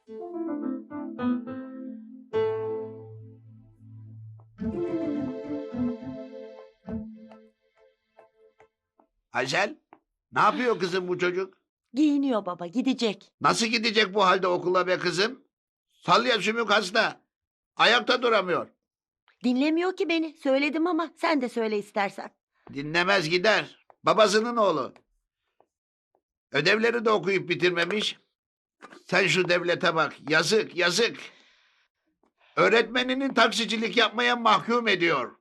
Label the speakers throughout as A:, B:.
A: Aysel, ne yapıyor kızım bu çocuk?
B: Giyiniyor baba, gidecek.
A: Nasıl gidecek bu halde okula be kızım? Salya sümük hasta. Ayakta duramıyor.
B: Dinlemiyor ki beni. Söyledim ama sen de söyle istersen.
A: Dinlemez gider. Babasının oğlu. Ödevleri de okuyup bitirmemiş. Sen şu devlete bak. Yazık, yazık. Öğretmeninin taksicilik yapmaya mahkum ediyor.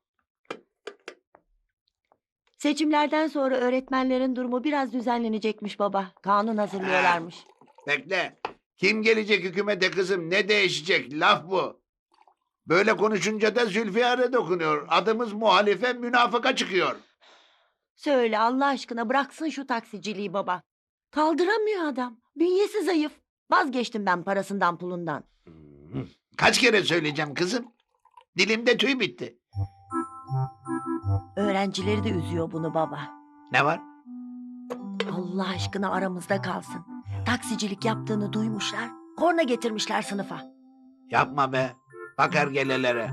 B: Seçimlerden sonra öğretmenlerin durumu biraz düzenlenecekmiş baba. Kanun hazırlıyorlarmış.
A: Bekle. Kim gelecek hükümete kızım? Ne değişecek? Laf bu. Böyle konuşunca da Zülfiyar'a dokunuyor. Adımız muhalife, münafıka çıkıyor.
B: Söyle Allah aşkına bıraksın şu taksiciliği baba. Kaldıramıyor adam. Bünyesi zayıf. Vazgeçtim ben parasından pulundan.
A: Kaç kere söyleyeceğim kızım? Dilimde tüy bitti.
B: Öğrencileri de üzüyor bunu baba.
A: Ne var?
B: Allah aşkına aramızda kalsın. Taksicilik yaptığını duymuşlar. Korna getirmişler sınıfa.
A: Yapma be. Bak ergelelere.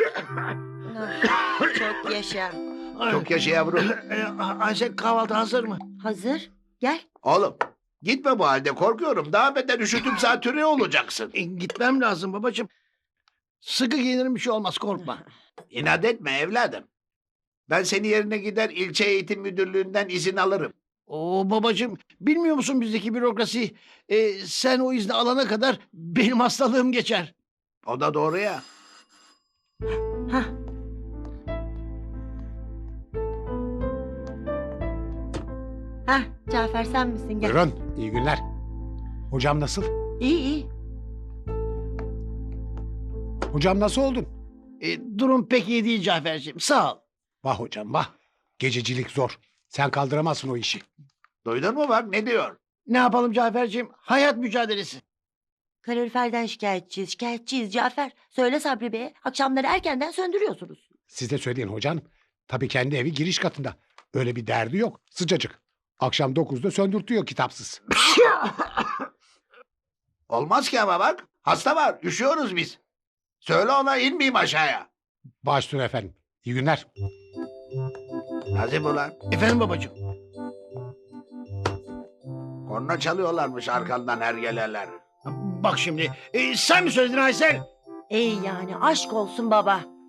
B: Çok yaşa.
A: Çok yaşa yavrum.
C: Ayşe kahvaltı hazır mı?
B: Hazır. Gel.
A: Oğlum gitme bu halde, korkuyorum. Daha beter üşütüp zatürre olacaksın.
C: Gitmem lazım babacığım. Sıkı giyinirim bir şey olmaz korkma.
A: İnat etme evladım. Ben seni yerine gider ilçe eğitim müdürlüğünden izin alırım.
C: Oo babacığım bilmiyor musun bizdeki bürokrasiyi? Sen o izni alana kadar benim hastalığım geçer.
A: O da doğru ya.
B: Hah. Hah, Cafer sen misin? Gel.
D: Buyurun, iyi günler. Hocam nasıl?
B: İyi iyi.
D: Hocam nasıl oldun?
C: Durum pek iyi değil Cafer'ciğim sağ ol.
D: Vah hocam vah. Gececilik zor. Sen kaldıramazsın o işi.
A: Duydun mu bak ne diyor?
C: Ne yapalım Cafer'ciğim? Hayat mücadelesi.
B: Kaloriferden şikayetçiyiz Cafer. Söyle Sabri Bey'e. Akşamları erkenden söndürüyorsunuz.
D: Siz de söyleyin hocam. Tabii kendi evi giriş katında. Öyle bir derdi yok. Sıcacık. Akşam 9'da söndürtüyor kitapsız.
A: Olmaz ki ama bak. Hasta var. Üşüyoruz biz. Söyle ona inmeyeyim aşağıya.
D: Baş üstüne efendim. İyi günler.
A: Nazım ulan.
C: Efendim babacığım.
A: Korna çalıyorlarmış arkandan ergeleler.
C: Bak şimdi sen mi söyledin Aysel?
B: Ey yani aşk olsun baba.